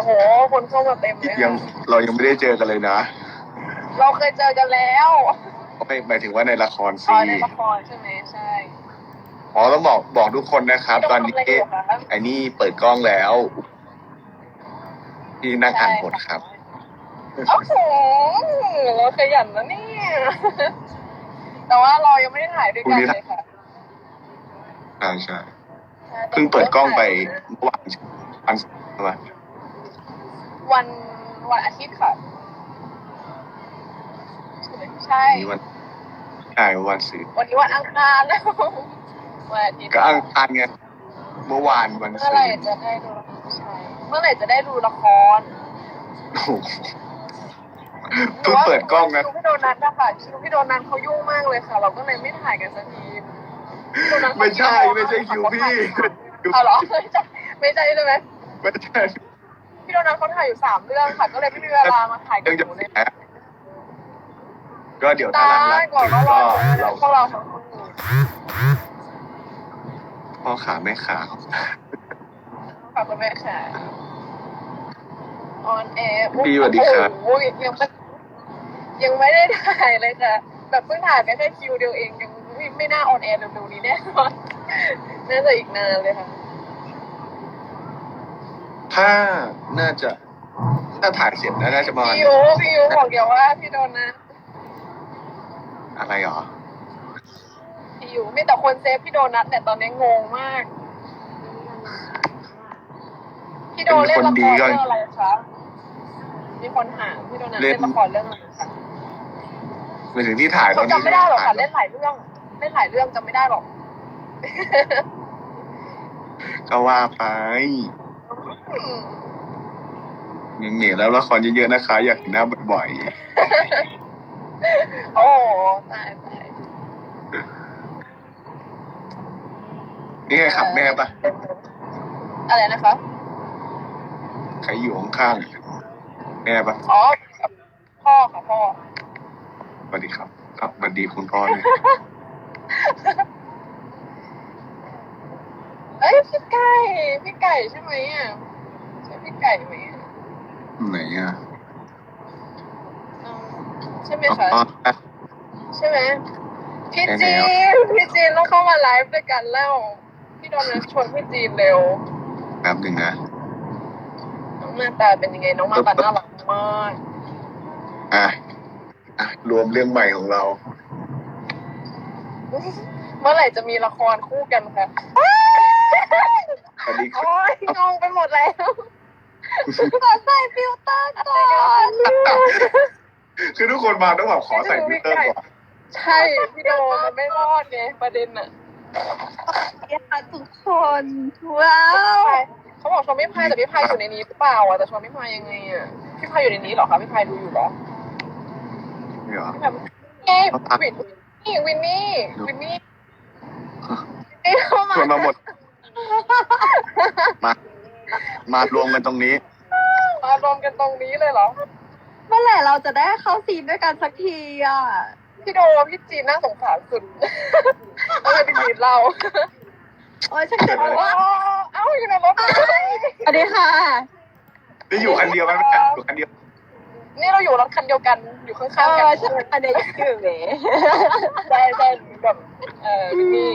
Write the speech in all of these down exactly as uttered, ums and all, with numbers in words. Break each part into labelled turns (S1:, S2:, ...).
S1: โหคนเข้ามาเต็มเลย
S2: ยังเรายังไม่ได้เจอกันเลยนะ
S1: เราเคยเจอกันแล้ว
S2: ไม่หมายถึงว่าในละคร
S1: อ๋
S2: สิ
S1: อในละครใช่ไหมใช่
S2: อ๋อต้องบอกบอกทุกคนนะครับ ตอนนี้ไอ้นี่เปิดกล้องแล้วที่นั่งอ่านบทครับ
S1: โอ้โหเราขยันนะเนี่ยแต่ว่าเรายังไม่ได้ถ่ายด้วยกันเลยค่ะ
S2: ใช่ใช่เพิ่งเปิดกล้องไปเมื่อวานวันใช่ไหม
S1: วันวันอาทิตย์ค่ะใช่
S2: วันนี้วันใช่วันศุกร์
S1: วันนี้วันอังคารแล้ววันอาทิตย์
S2: ก็อังคารไงเมื่อวานวัน
S1: เมื่
S2: ศุ
S1: อก ไหร่
S2: ร์
S1: จะได้ดูใช่เมื่อไหร่จะได้ดูละคร
S2: โอ้โหเพิ่งเปิดกล้องนะ
S1: คิวพี่โดนัทอะค่ะคิวพี่โดนัทเขายุ่งมากเลยค่ะ เราก็เลยไม่ถ่ายกันสักทีพี่โดนัทเขา
S2: ไม่ใช่ไม่ใช่คิวพี่
S1: เอาเหรอไม่ใช่ไม่ใช่ใช่ไหม
S2: ไม่ใช่
S1: พี่โดนัทเขาถ่ายอยู่สามเรื่องค่ะ ก็เลยไม่มีเวลามาถ่ายกั
S2: เรื่
S1: น
S2: อง
S1: ห
S2: จะ
S1: นู
S2: แห
S1: เลย
S2: มก็เดี๋ยว
S1: ตา
S2: ถ้าหลัง
S1: ยก่อน
S2: ๆ
S1: ก็
S2: ก็
S1: รอ
S2: เรา
S1: พวกเราทั้งคู่
S2: พ่อขาแม่ขา
S1: ฝากคุณแม่ค่ะออนแอร์
S2: พี่สวัสดีครับ
S1: โอ้ยยังไม่ยังไม่ได้ถ่ายเลยค่ะแบบเพิ่งถ่ายไปแค่คิวเดียวเองยังไม่ไม่น่าออนแอร์เร็วๆนี้แน่นอนน่าจะอีกนานเลยค่ะ
S2: ถ้าน่าจะ ถ้าถ่ายเสร็จแล้วน่าจะประมาณ
S1: พี่ยูพี่ยูบอกเดี๋ยวว่าพี่โดนนะ
S2: อะไรหรอ
S1: พี่ยูมีแต่คนเซฟพี่โดนัทแต่ตอนนี้งงมาก พี่โดเล่นละครเรื่องอะไรคะมีคนถามพี่โดนัทเล่นละครเรื่องอะไรคะ
S2: หมายถึงที่ถ่ายต
S1: เขา
S2: อนนี้
S1: จำไม่ได้หรอกค่ะเล่นหลายเรื่องเล่นหลายเรื่องจำไม่ได้หรอก
S2: ก็ว่าไป
S1: อืม
S2: เหนียวๆแล้วละครเยอะๆนะคะ อยากเห็นหน้าบ่อย
S1: โอ้ตายตาย
S2: ๆนี่ไงขับแม่ปะ
S1: อะไรนะคะ
S2: ใครอยู่ข้างๆแม่ปะ
S1: อ๋อพ่อค่ะพ่อ
S2: สวัสดีครับครับสวัสดีคุณพ่อเลย
S1: เอ้ยพี่ไก่พี่ไก่ใช่ไหมอ่ะใช่พี่ไก่ไหมอ่ะ
S2: ไหนอ่ะ
S1: อืมใช่ไหม
S2: อ๋อ
S1: คะใช่ไหมพี่จีนพี่จีนต้องเข้ามาไลฟ์ด้วยกันแล้วพี่โดนัทชวนพี่จีนเร็ว
S2: แป๊บหนึ่งนะ
S1: น้องมาตาเป็นยังไงน้องมาตาน่ารักมาก
S2: อ่ะอ่ะรวมเรื่องใหม่ของเรา
S1: เมื่อไหร่จะมีละครคู่กันคะ
S2: สวัสดีครับ
S1: โอ้ยงงไปหมดแล้วขอใส่ฟิลเตอร์ก่อน
S2: คือทุกคนมาต้องแบบขอใส่ฟิลเตอร์ก่อน
S1: ใช่พี่โดมันไม่รอดไงประเด็นอะ
S3: ค่ะทุกคนว้าว
S1: เขาบอกชวนพี่พายแต่พี่พายอยู่ในนี้หรือเปล่าอะแต่ชวนพี่พายยังไงอะพี่พายอยู่ในนี้เหรอคะพี่พายดูอยู่เหรอ
S2: นี่เหรอ
S1: พี่พายเอ้ยวินนี่วินนี่วินนี่วินนี่เข้ามา
S2: ชวนมาหมด มา มารวมกันตรงนี้
S1: มารวมกันตรงนี้เลยเหรอ
S3: เมื่อไหร่เราจะได้เข้าซีนด้วยกันสักทีอ่ะ
S1: พี่โดพี่จีนน่าสงสารสุดก็เลยเป็นจีนเรา
S3: โอ้ยฉันเจ็บ
S1: เอ้า
S3: ว่า
S1: เอ้าอยู่ในรถ
S3: สวัสดีค่ะ
S2: นี่อยู่คันเดียวไหมแม่อยู่คันเดียว
S1: นี่เราอยู่รถคันเดียวกันอยู่ข้าง
S3: เอ
S1: ๆกั
S3: อน ฉันอันเดียวอยู่เว้ย
S1: ใช่ใช่แบบเออนี่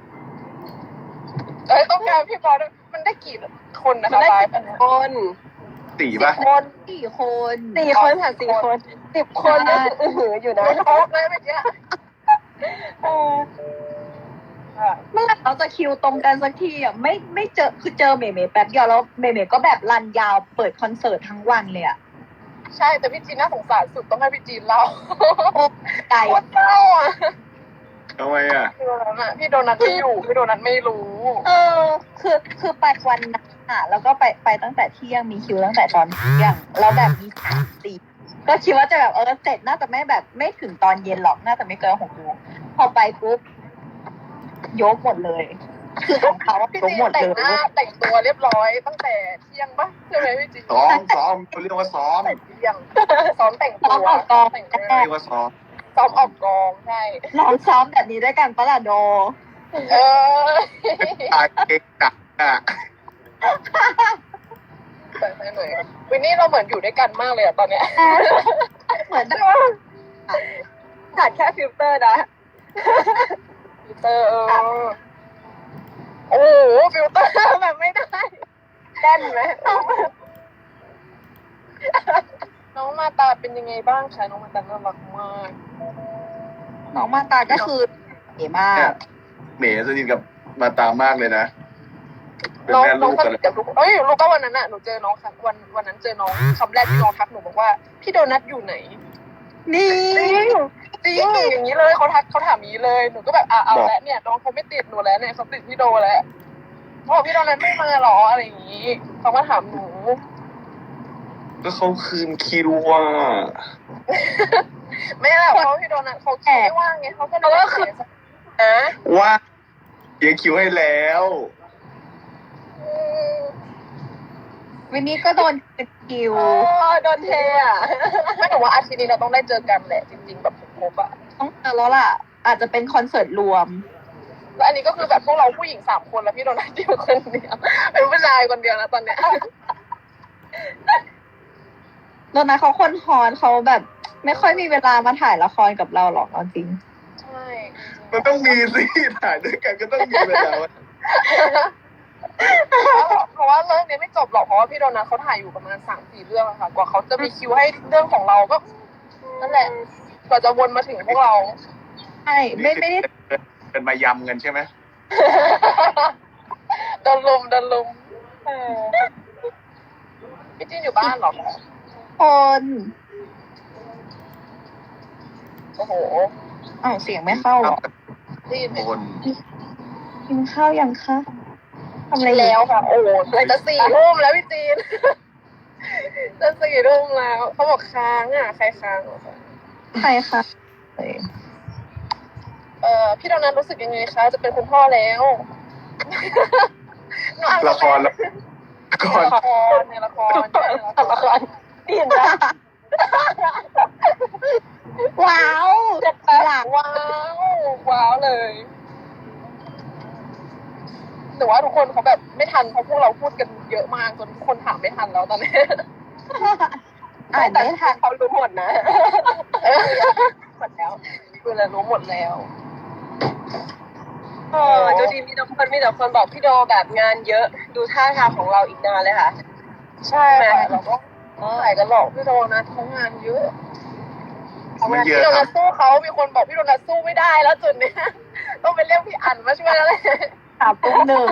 S1: เอ้ยต้องการพี่บอลด้วยมันได้กี่คนนะ
S3: มัน
S1: คะ
S3: ได้
S1: ไล
S3: สิ
S1: ฟ์อัน
S3: บ
S1: เนี้ย
S3: คน
S2: สี่ป่ะ
S3: คนสี่คนสี่คนค่ะสี่คนสิบคนเนี่ยอือหืออยู่นะ
S1: ไม่ช็อกเลยเมื่อกี้
S3: เออ
S1: ค่ะ
S3: เมื่อไหร่เราจะคิวตรงกันสักทีอ่ะไม่ไม่เจอคือเจอเมย์เมย์แป๊บเดียวแล้วเมย์เมย์ก็แบบรันยาวเปิดคอนเสิร์ตทั้งวันเลยอ่ะ
S1: ใช่แต่พี่จีนน่าสงสารสุดต้องให้พี่จีนเล่า
S3: โอ้ไก่
S1: โคตรเศร้าอ่ะ
S2: ทำไมอ่ะ
S1: พี่โดนัทอะพี่โดนัทไม่อยู่พี่โดนัทไม่รู้
S3: เออคือคือไปวันนั้นอ่ะแล้วก็ไปไปตั้งแต่เที่ยงมีคิวตั้งแต่ตอนเที่ยงแล้วแบบมีสามสี่ก็คิดว่าจะแบบเออเสร็จน่าจะไม่แบบไม่ถึงตอนเย็นหรอกน่าจะไม่เกินหกโมงพอไปปุ๊บยกหมดเลย คือของเขาอะ
S1: พี่
S3: ยก
S1: จีน
S3: หมด
S1: แต่
S3: เล
S1: งหน้าย แต่งตัวเรียบร้อยตั้งแต่เที่ยงปะใช่ไหมพี่จีน
S2: ซ้อมซ้อมเขาเรียกว่าซ้อม
S1: แต่เที่ยงซ้อมแต่งตัว
S3: ซ้อมออกกอง
S1: แต่งห
S3: แร
S1: น้าก
S2: เรียกว่าซ้อม
S1: ซ้อมออกกองใช่
S3: ลองซ้อมแบบนี้ด้วยกันปะล่ะโด
S1: เออ
S2: ตายเก่งจัดอ่ะ
S1: แต่งให้หน่อยนี่เราเหมือนอยู่ด้วยกันมากเลยอะตอนเนี้ย
S3: เหมือน
S1: ใช่ไหม
S3: ขาดแค่ฟิลเตอร์นะ
S1: ฟิลเตอร์เออโอ้โหฟิลเตอร์แบบไม่ได้แน่นไหมน้องมาตาเป็นยังไงบ้างคะน้องมาตาน่ารักมาก
S3: น้องมาตาก็คือเก๋มาก
S2: เมย์สนิทกับมาตามากเลยนะเป็น
S1: น้อง
S2: แม่
S1: น้
S2: ลู
S1: อง
S2: ก
S1: ส
S2: กัน
S1: นิทกับลูกเอ้ยรู้ป่ะวันนั้นอะหนูเจอน้องค่ะวันวันนั้นเจอน้องคำแรกที่น้องทักหนูบอกว่าพี่โดนัทอยู่ไหน
S3: นี่
S1: จริงจริงอย่างนี้เลยเขาทักเขาถามอย่างนี้เลยหนูก็แบบอ่ะเอาแล้วเนี่ยน้องเขาไม่ติดหนูแล้วเนี่ยเขาติดพี่โดแล้วเขาบอกพี่โดนัทไม่มาหรออะไรอย่างนี้เขามาถามหนู
S2: ก็เขาคืนคิวว่า
S1: ไม่แหละเพราะพี่โดนัทเขาคิดไม่ว่างไงเขาก็เลยก็คือนะ
S2: ว่าเขียนคิวให้แล้ว
S3: วันนี้ก็โดนเป็นคิว
S1: โอ้โดนเทอ่ะไม่แต่ว่าอาทิตย์นี้เราต้องได้เจอกันแหละจริงๆแบบครบๆอ่ะ
S3: ต้องเจอแล้วล่ะ อาจจะเป็นคอนเสิร์ตรวม
S1: แล้วอันนี้ก็คือแบบพวกเราผู้หญิงสามคนแล้วพี่โดนัทอยู่คนเดียวเป็นผู้ชายคนเดียวนะตอนเนี้ย
S3: โดนนะเขาคนฮอนเขาแบบ ไม่ค่อยมีเวลามาถ่ายละครกับเราหรอกเอาจริง
S1: ใช่
S2: มันต้องมีสิถ่ายด้วยกันก็ต้องมีเวลา
S1: เพราะว่าเรื่องนี้ไม่จบหรอกเพราะว่าพี่โดนัทเขาถ่ายอยู่ประมาณสามสี่เรื่องอะค่ะกว่าเขาจะมีคิวให้เรื่องของเราก็นั่นแหละกว่าจะวนมาถึงพวกเรา
S3: ใช่ไม่ไม่ได้
S2: เป็นมายำกันใช่ไหม
S1: โดนลุมโดนลุมเออพี่จีนอยู่บ้านเหรอ
S3: คน
S1: โอ้โห
S3: อ้าวเสียงไม่เข้าเหรอ
S1: ได้ยินไหม
S2: คน
S3: กินข้าวยังคะทำอะไรอยู่
S1: แล้วค่ะ โอ้โหจะสี่ทุ่มแล้วพี่จีน จะสี่ทุ่มแล้วเขาบอกค้างอ่ะใครค้างเหรอคะ
S3: ใครคะเอ้ย
S1: เอ่อพี่โดนัทรู้สึกยังไงคะจะเป็นคุณพ่อแล้วหนูอ่าน
S2: ละครละคร
S1: ละครในละครในละครดีนะ
S3: ว้าว
S1: หลังว้าวว้าวเลยแต่ว่าทุกคนเขาแบบไม่ทันเพราะพวกเราพูดกันเยอะมากจนทุกคนถามไม่ทันแล้วตอนนี้
S3: อ่านไม่ทัน
S1: เขารู้หมดนะหมดแล้วคือเรารู้หมดแล้ว
S4: เออดูดีมีแต่คนมีแต่คนบอกพี่โดแบบงานเยอะดูท่าทางของเราอีกนานเลยค่ะ
S1: ใช่ค่ะเราก็ถ่ายกันหรอกพี่โดนะทำงานเยอะ
S2: ไม่เย
S1: พี่
S2: อะ
S1: โด
S2: ครั
S1: นั
S2: บ
S1: ทสู้เขามีคนบอกพี่โดนัทสู้ไม่ได้แล้วจุดเนี้ยต้องไปเรียกพี่อั๋นมาช่วยแล้วเลย
S3: สามตุ้มหนึ่ง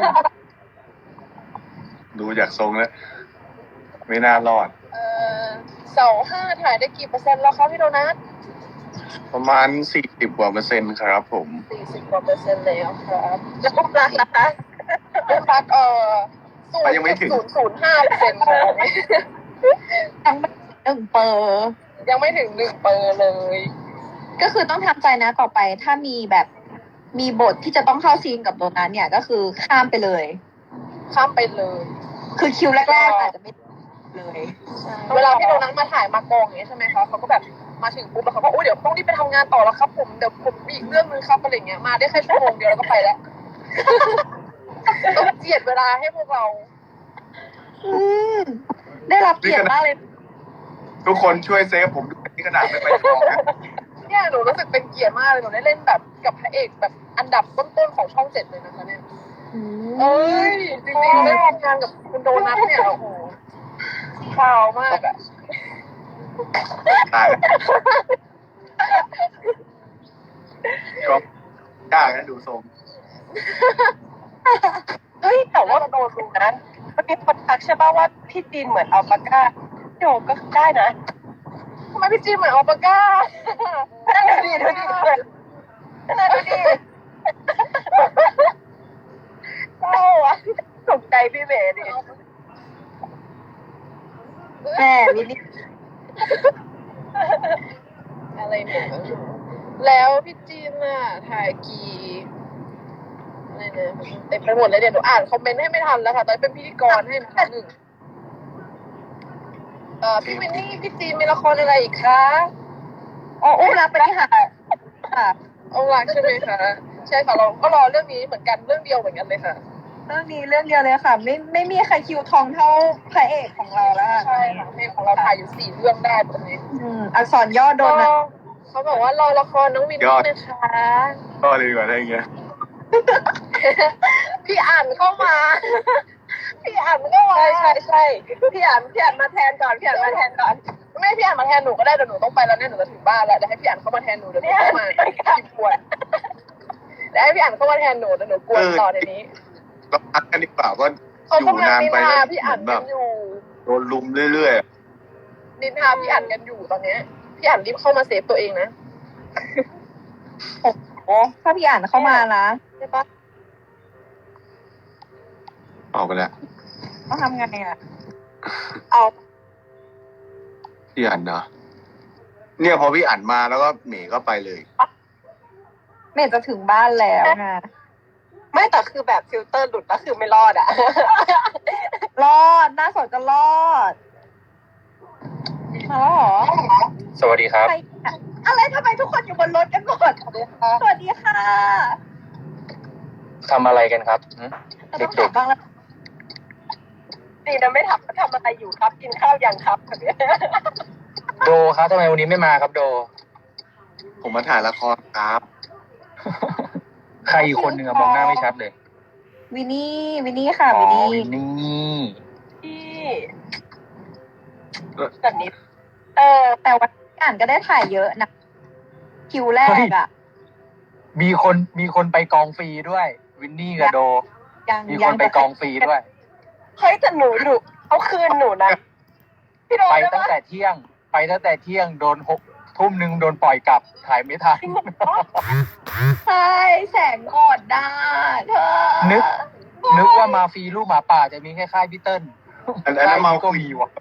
S2: ดูจากทรงแล้ว ไม่น่ารอด
S1: เออเสาห้าถ่ายได้กี่เปอร์เซ็นต์แล้วคะพี่โดนัท
S2: ประมาณสี่สิบกว่าเปอร์เซ็นต์ครับผม
S1: สี่สิบกว่าเปอร์เซ็นต์แล้วครับ
S4: แล้วก็รักนะคะ
S1: เรื่องรักเออศูน
S2: อ่ะ
S1: ย์
S2: ยังไม่ถึง
S1: ศูนย์ศูนย์ห้าเปอร์เซ็นต์ครับ
S3: ยังไม่หนึ่งเปอร์
S1: ยังไม่ถึงหนึ่งเปอร์เลย
S3: ก็คือต้องทำใจนะต่อไปถ้ามีแบบมีบทที่จะต้องเข้าซีนกับโดนัทเนี่ยก็คือข้ามไปเลย
S1: ข้ามไปเลย
S3: คือคิวแรกๆอาจจะไม่เลย
S1: เวลาพี่โดนัทมาถ่ายมากองอย่างเงี้ยใช่ไหมคะเขาก็แบบมาถึงปุ๊บแล้วเขาก็โอ้ยเดี๋ยวต้องรีบไปทำงานต่อแล้วครับผมเดี๋ยวผมมีอีกเรื่องนึงครับอะไรเงี้ยมาได้แค่ชั่วโมงเดียวแล้วก็ไปแล้ว ต้องเจียดเวลาให้พวกเรา
S3: อืมได้รับเกียรติมากเลย
S2: ทุกคนช่วยเซฟผมด้วยที่ขนาดไม่ไปกองนะ
S1: เนี่ยหนูรู้สึกเป็นเกียรติมากเลยหนูได้เล่นแบบกับพระเอกแบบอันดับต้นๆของช่องเจ็ดเลยนะคะเนี่ย
S3: อืม
S1: เอ้ยจริงๆได้ทำงานกับคุณโดนัทเนี่ยโอ้โหข่าวมากอ่ะ
S2: ตายก็ยากนะดูทรง
S4: เฮ้ยแต่ว่า
S1: โดนดู
S4: นะมันมีคนทักใช่ป่ะว่าพี่จีนเหมือนอัลปาก้าพี่โดก็ได้นะ
S1: ทำไมพี่จีนเหมือนอัลปาก้า
S4: นั่นดูดิดูดินั่นดูดิ
S1: เศร้าอ่ะ
S4: ตกใจพี่เบดิ
S3: แม่วิลลี่
S1: อะไรเนี่ยแล้วพี่จีนน่ะถ่ายกี่อะไรเนี่ยเต็มไปหมดเลยเดี๋ยวหนูอ่านคอมเมนต์ให้ไม่ทันแล้วค่ะตอนนี้เป็นพิธีกรให้นะคะหนึ่งเอ่อพี่วินนี่พี่จีนมีละครอะไรอีกคะ
S3: อ๋ออุ้มรักไปที่หาดค่ะ
S1: เอาหลักใช่ไหมคะใช่ค่ะเราก็รอเรื่องนี้เหมือนกันเรื่องเดียวเหมือนกันเลยค่ะ
S3: เรื่องนี้เรื่องเดียวเลยค่ะ ไม่ไม่มีใครคิวทองเท่าพระเอกของเราแล้วอะ
S1: ใช่ค่ะเพลงของเราถ่ายอยู่สี่เรื่องได้ตอนนี้
S3: อืมอักษรย่อโดนนะ
S1: เขาบอกว่ารอละครน้องวินนี่นะคะ
S2: ก็เลยดีกว่าได้เงี้ย
S1: พี่อ่านเข้ามา พี่อ่านเข้ามา
S4: ใช่ใช่ใช่พี่อ่านพี่อ่านมาแทนก่อนพี่อ่านมาแทนก่อน
S1: ไม่ให้พี่อ่านมาแทนหนูก็ได้เดี๋ยวหนูต้องไปแล้วเนี่ยหนูจะถึงบ้านแล้วเดี๋ยวให้พี่อ่านเข้ามาแทนหนูเดี๋ยวหนูต้องมาพิมพ์กวนเดี๋ยวให้พี่อ่านเข้ามาแทนหนูเดี๋ยวหนูกวนต่อในนี้
S2: ก็พักกันดีกว่าก็
S1: เขา
S2: อยู่
S1: กำลัง
S2: นาน
S1: นิน
S2: ไป
S1: ทา
S2: แล้ว
S1: พี่อ่าน
S2: แบ
S1: กับ นอยู่
S2: โดนลุมเรื่อย
S1: นินทาพี่อ่านกันอยู่ตอนเนี้ยพี่อ่านรีบเข้ามาเซฟตัวเองนะ
S3: โอ้โหถ้าพี่อ่านเข้ามานะ
S1: ใช่ปะ
S2: ๆออกไปแล้ว
S3: ต้องทำไงอ่ะ
S1: เอา
S2: พี่อันเนาะเนี่ยพอพี่อันมาแล้วก็เหมย์ก็ไปเลย
S3: เมย์จะถึงบ้านแล้วไง
S4: ไม่แต่คือแบบฟิลเตอร์หลุดก็คือไม่รอดอ่ะ
S3: รอดหน้าสดก็รอดมาแล้วเหรอ
S5: สวัสดีครับ
S3: ใครอะอะไรทำไมทุกคนอยู่บนรถกันหมด
S1: สวัสดีค่ะ
S3: สวัสดีค่ะ
S5: ทำอะไรกันครับหึ
S3: เราต้องถามบ้างแล้ว
S4: ดีนะไม่ถามว่าทำอะไรอยู่ครับ กินข้าวยังครับแบบเนี้ย
S5: โดครับทำไมวันนี้ไม่มาครับโด
S2: ผมมาถ่ายละครครับ
S5: ใครอีกคนหนึ่งอะมองหน้าไม่ชัดเลย
S3: วินนี่วินนี่ค่ะ
S5: อ๋อ
S3: วินนี่
S5: วินนี่
S4: พี่แบบนี้ เออ
S3: แต่วันที่อ่านก็ได้ถ่ายเยอะนะคิวแรกอ่ะ
S5: มีคนมีคนไปกองฟรีด้วย วินนี่กับโด
S3: ยัง
S5: มีค
S3: ยั
S5: น
S3: ง
S5: ไปกองฟรีด้วย
S4: เฮ้ยแต่หนูหนูเขาคืนหนูนะพี่โดน
S5: ไป
S4: ได้
S5: ตั้ง
S4: ปะ
S5: แต่เที่ยง ไปตั้งแต่เที่ยงโดนหกทุ่มหนึ่งโดนปล่อยกลับถ่ายไม่ทัน
S4: จริงเหรอ
S3: ใช่แสงอ่อนได้เธอ
S5: นึก นึกว่ามาฟรีลูกหมาป่าจะมีแค่ค่ายพี่เติ้ล
S2: อันอันนั้นเมา
S5: ก็มีว่ะ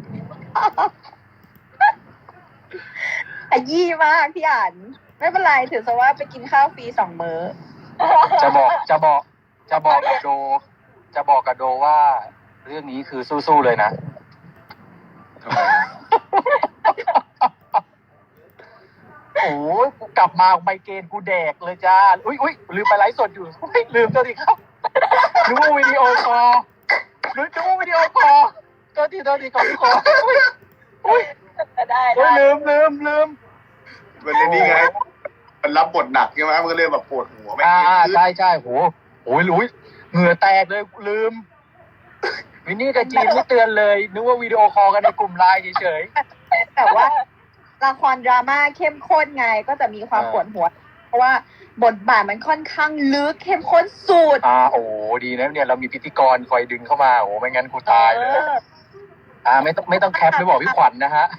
S3: ขยี้มากพี่อ่าน ไม่เป็นไรถือซะว่าไปกินข้าวฟรีสองมื้อ
S5: จะบอกจะบอก จะบอกกับโด จะบอกกับโดว่า เรื่องนี้คือสู้ๆเลยนะ
S2: ทำไมอะ
S5: โอ้ยกูกลับมาไมเกรนกูแดกเลยจ้า อุ้ยอุ้ยลืมไปไลฟ์สดอยู่อุ๊ยลืมตัวทีครับนึกว่าวิดีโอคอลนึกว่าวิดีโอคอลตัวทีตัวทีก่อนทุกคนอุ้ยอุ้ย
S4: ได้
S5: อุ้
S4: ได้
S5: ยลืมลืมลืม
S2: มันเลยนี่ไง มันรับบทหนักใช่ไหมมันก็เลยแบบปวดหัวไม่
S5: อ่า
S2: เก่งขึ้น
S5: ใช่ใช่โหโอ้ยอุ้ยเหงื่อแตกเลยลืม วินนี่กับจีนไม่เตือนเลย นึกว่าวิดีโอคอลกันในกลุ่มไลน์เฉย
S3: แต่ว่าละครดราม่าเข้มข้นไงก็จะมีความ
S5: อ่า
S3: ปวดหัว เพราะว่าบทบาทมันค่อนข้างลึกเข้มข้นสุด
S5: ๆอ่าโอ้ดีนะเนี่ยเรามีพิธีกรคอยดึงเข้ามาโอ้ไม่งั้นกูตายเลย
S3: เออ
S5: อ่าไม่ต้องไม่ต้องแคปไม่บอกพี่ขวัญนะฮะ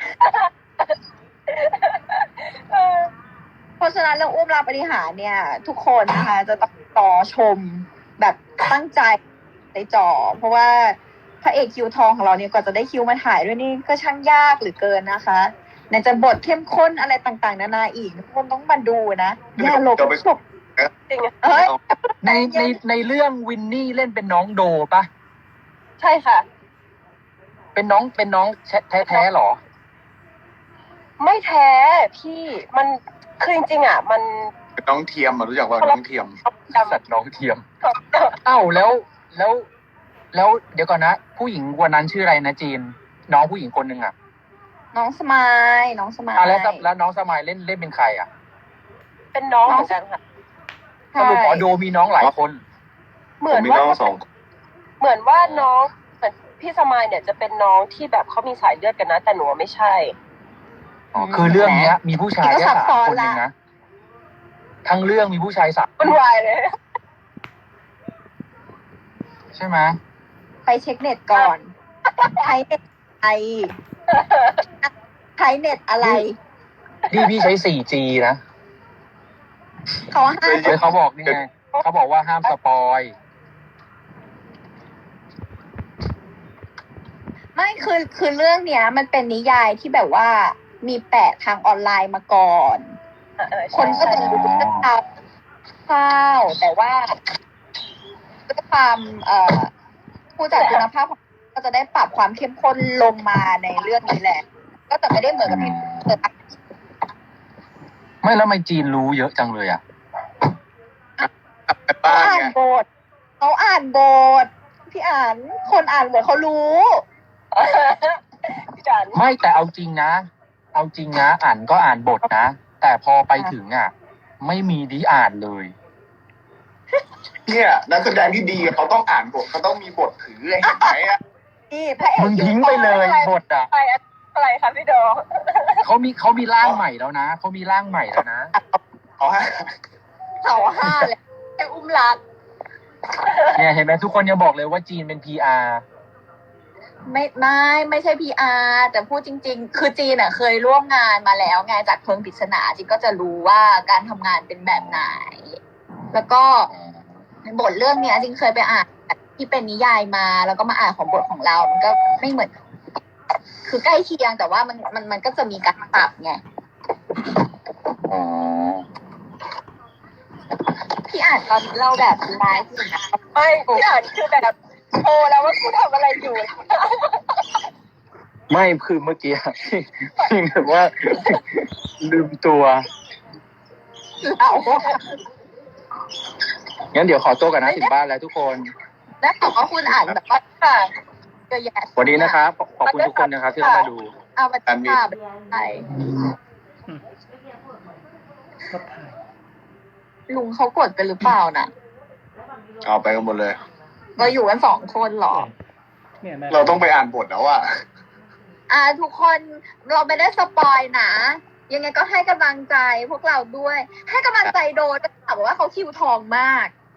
S4: เออ
S3: เพราะฉะนั้นเรื่องอุ้มราปฏิหารย์เนี่ย ทุกคนนะคะจะต้องต่อชมแบบตั้งใจในจอ เพราะว่าพระเอกคิวทองของเราเนี่ยกว่าจะได้คิวมาถ่ายด้วยนี่ก็ช่างยากเหลือเกินนะคะไหนจะบทเข้มข้นอะไรต่างๆ นานาอีกทุกคนต้องมาดูนะอย่าหลบหลบ
S4: จริงอะ
S3: เอ้ย
S5: ในในในเรื่องวินนี่เล่นเป็นน้องโดปะ
S4: ใช่ค่ะ
S5: เป็นน้องเป็นน้องแท้แท้ๆหรอ
S4: ไม่แท้พี่มันคือจริงๆอ่ะ มัน
S2: เป็นน้องเทียมอะรู้จักว่าน้องเทียม
S4: จำ
S5: สัตว์น้องเทียม เอ้าแล้วแล้ว แล้วเดี๋ยวก่อนนะ ผู้หญิงวันนั้นชื่ออะไรนะจีน น้องผู้หญิงคนหนึ่งอ่ะ
S3: น้องสมายน้องสมาย
S5: อ่ะแล้วแล้วน้องสมายเล่นเล่นเป็นใครอ่ะ
S4: เป็นน้องเหมือนกันค่ะ
S5: สรุปอ๋อโดมีน้องหลายคน
S4: เห
S2: ผ
S4: มือ
S2: ม
S4: น
S2: มี
S4: ว่า
S2: น้องสองคน
S4: เหมือนว่าน้องเหมือนพี่สมายเนี่ยจะเป็นน้องที่แบบเขามีสายเลือดกันนะ แต่หนูไม่ใช่
S5: อ๋อคือเรื่องเนี้ย มีผู้ชายแค่สามคนเองนะทั้งเรื่องมีผู้ชายสาม
S4: มันวายเลย
S5: ใช่ไหม
S3: ไปเช็คเน็ตก่อนใช้เน็ตไอใช้เน็ตอะไร
S5: นี่พี่ใช้ โฟร์จี นะ
S3: เขาห้าม
S5: เฮ้ยเขาบอกนี่ไงเขาบอกว่าห้ามสปอย
S3: ไม่คือคือเรื่องเนี้ย มันเป็นนิยายที่แบบว่ามีแปะทางออนไลน์มาก่อน
S4: เออ
S3: ค
S4: ใช่
S3: นก็จะรู้เรื่องราวคร่าวๆแต่ว่าด้วยความเอ่อผู้จัดคุณภาพของก็จะได้ปรับความเข้มข้นลงมาในเรื่องนี้แหละ ก็จะไม่ได้เหมือนกับที่เปิด
S5: ไม่แล้วทำไมจีนรู้เยอะจังเลยอ่ะ
S2: ไป
S3: เขา
S2: บ้าน
S3: อ่าน
S2: ไง
S3: บทเขาอ่านบทพี่อ่านคนอ่านบทเขารู้
S4: พี่จัน
S5: ไม่แต่เอาจริงนะ เอาจริงนะอ่านก็อ่านบทนะ แต่พอไปถึงอ่ะ ไม่มีดีอ่านเลย
S2: เนี่ยนักแสดงที่ดีเขาต้องอ่านบทเขาต้องมีบทถือเห็นไหมอะ
S3: นี่พระเอก
S5: มึงทิ้งไปเลยบทอ่ะ
S4: อะไรอะไรคะพี่โด
S5: เขามีเขามีร่างใหม่แล้วนะเขามีร่างใหม่แล้วนะ
S2: เอาฮะ
S3: เสาห้าเลยแค่อุ้มรัก
S5: เนี่ยเห็นไหมทุกคนยังบอกเลยว่าจีนเป็น พี อาร์
S3: ไม่ไม่ไม่ใช่ พี อาร์ แต่พูดจริง ๆ คือจีนอ่ะเคยร่วมงานมาแล้วไงจากเพลิงปริศนาจีนก็จะรู้ว่าการทำงานเป็นแบบไหน แล้วก็บทเรื่องเนี้ยจริงเคยไปอ่านที่เป็นนิยายมา แล้วก็มาอ่านของบทของเรา มันก็ไม่เหมือน คือใกล้เคียงแต่ว่ามันมันมันก็จะมีการปรับไง
S5: อ๋อ
S3: พี่อ่านตอนเราแบบไลฟ์อยู่นะ
S4: ไม่พี่อ่านคือแบบโทรแล้วว่ากูทำอะไรอยู่
S5: ไม่คือเมื่อกี้ พี่แบบว่า ลืมตัว
S3: เรา
S5: งั้นเดี๋ยวขอตัวกันนะถึงบ้านแล้วทุกคน
S3: แล้วบอกว่าคุณอ่านแบบว่า
S4: ค่ะ
S3: เยอะแยะ
S5: สวัสดีนะครับ ขอบคุณทุกคนนะครับที่เข้ามาดู
S3: เอามาจ้าไปลุงเขากดกันหรือเปล่าน่ะ
S2: เอาไปกันหมดเลย
S3: เราอยู่กันสองคนเหรอ
S2: เราต้องไปอ่านบทแล้วอะ
S3: อ่าทุกคนเราไม่ได้สปอยนะ ยังไงก็ให้กำลังใจพวกเราด้วย ให้กำลังใจโดนก็ถามว่าเขาคิวทองมาก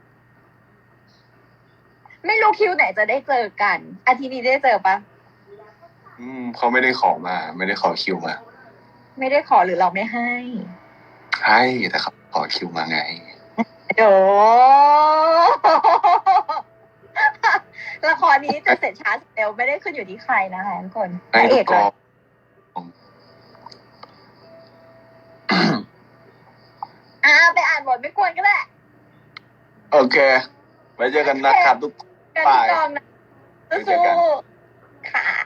S3: ไม่รู้คิวไหนจะได้เจอกัน อาทิตย์นี้ได้เจอปะ
S2: อืมเขาไม่ได้ขอมา ไม่ได้ขอคิวมา
S3: ไม่ได้ขอหรือเราไม่ให้
S2: ให้แต่เขาขอคิวมาไง
S3: โด ละครนี้จะเสร็จช้าเร็วไม่ได้ขึ้นอยู่ที่ใครนะคะทุกคนพ
S2: ให้
S3: ระเอ
S2: ทุ
S3: ก
S2: กก
S3: เล
S2: อย ง
S3: อ่าไปอ่านบทไม่ควรก็ได้
S2: โอเค ไว้เจอกันนะครับทุก
S3: กันที่กองนะ
S2: ไปเจอกัน
S3: สู้ๆค่ะ